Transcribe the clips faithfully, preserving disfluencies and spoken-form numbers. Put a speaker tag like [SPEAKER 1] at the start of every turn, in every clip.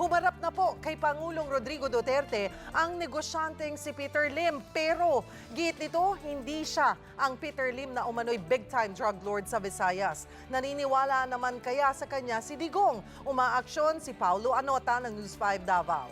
[SPEAKER 1] Humarap na po kay Pangulong Rodrigo Duterte ang negosyanteng si Peter Lim. Pero giit nito, hindi siya ang Peter Lim na umano'y big-time drug lord sa Visayas. Naniniwala naman kaya sa kanya si Digong. Umaaksyon si Paulo Anota ng News five Davao.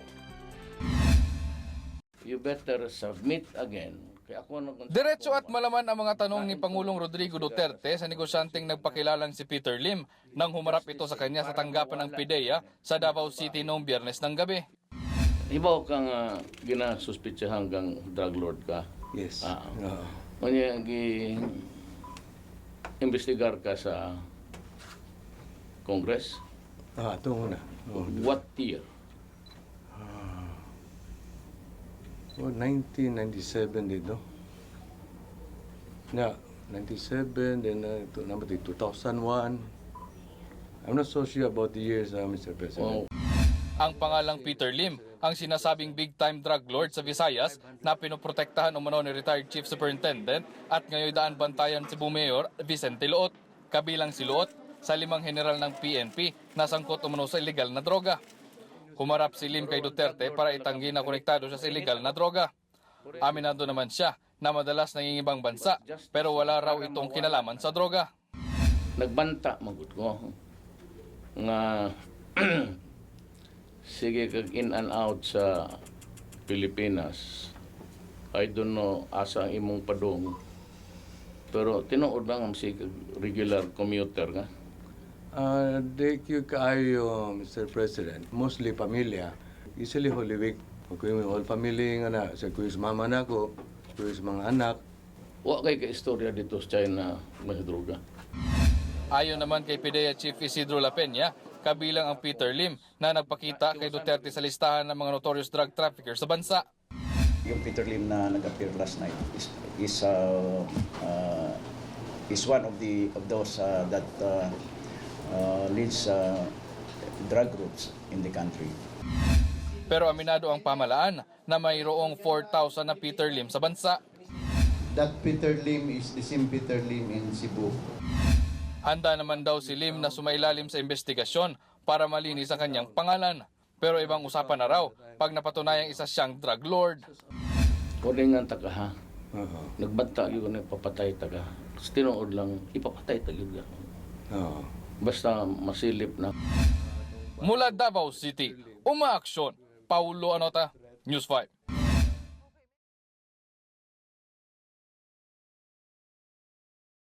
[SPEAKER 2] You better submit again. Kaya ako nag-
[SPEAKER 3] Diretso at malaman ang mga tanong ni Pangulong Rodrigo Duterte sa negosyanteng nagpakilalang si Peter Lim nang humarap ito sa kanya sa tanggapan ng PIDEA sa Davao City noong Biyernes ng gabi.
[SPEAKER 2] Ibaw kang uh, ginasuspitsa hanggang drug lord ka.
[SPEAKER 4] Yes.
[SPEAKER 2] Ah,
[SPEAKER 4] Oo.
[SPEAKER 2] Kanya gi investigar ka sa Congress.
[SPEAKER 4] Ah, ito muna. Oh,
[SPEAKER 2] What year?
[SPEAKER 4] oh, nineteen ninety-seven dito. Yeah, ninety-seven, then uh, ito, number two, two thousand one. I'm not so sure about the years, uh, Mister
[SPEAKER 2] Oh,
[SPEAKER 4] President.
[SPEAKER 3] Ang pangalang Peter Lim, ang sinasabing big-time drug lord sa Visayas na pinoprotektahan umano ni retired Chief Superintendent at ngayon daan bantayan si Bumayor Vicente Luot. Kabilang si Luot sa limang general ng P N P na sangkot umano sa illegal na droga. Humarap si Lim kay Duterte para itanggi na konektado siya sa illegal na droga. Aminado naman siya na madalas nangingibang bansa pero wala raw itong kinalaman sa droga.
[SPEAKER 2] nagbanta magud ko nga sige kag in and out sa Pilipinas. I don't know asa ang imong padong. Pero tinuod lang ang sige regular commuter nga.
[SPEAKER 4] Uh, de kyo kaayo, Mister President, mostly pamilya, easily Holy Week. Kung yung whole family nga na, sa kung yung mama na ko, kung yung mga anak.
[SPEAKER 2] Wa kay ka istorya dito sa China may droga.
[SPEAKER 3] Ayon naman kay PIDEA Chief Isidro La Peña, kabilang ang Peter Lim na nagpakita kay Duterte sa listahan ng mga notorious drug traffickers sa bansa.
[SPEAKER 5] Yung Peter Lim na nag-appear last night is is uh, uh, is one of the of those uh, that uh, uh, leads uh, drug routes in the country.
[SPEAKER 3] Pero aminado ang pamalaan na mayroong four thousand na Peter Lim sa bansa.
[SPEAKER 6] That Peter Lim is the same Peter Lim in Cebu.
[SPEAKER 3] Handa naman daw si Lim na sumailalim sa investigasyon para malinis ang kanyang pangalan. Pero ibang usapan na raw pag napatunayang isa siyang drug lord.
[SPEAKER 2] Kuringan ta ka ha.
[SPEAKER 4] Oo.
[SPEAKER 2] Nagbanta yun na ipapatay ta ka. Tapos tinuod lang ipapatay ta yun ka.
[SPEAKER 4] Oo.
[SPEAKER 2] Basta masilip na.
[SPEAKER 3] Mula Davao City, umaaksyon. Paulo Anota, News five.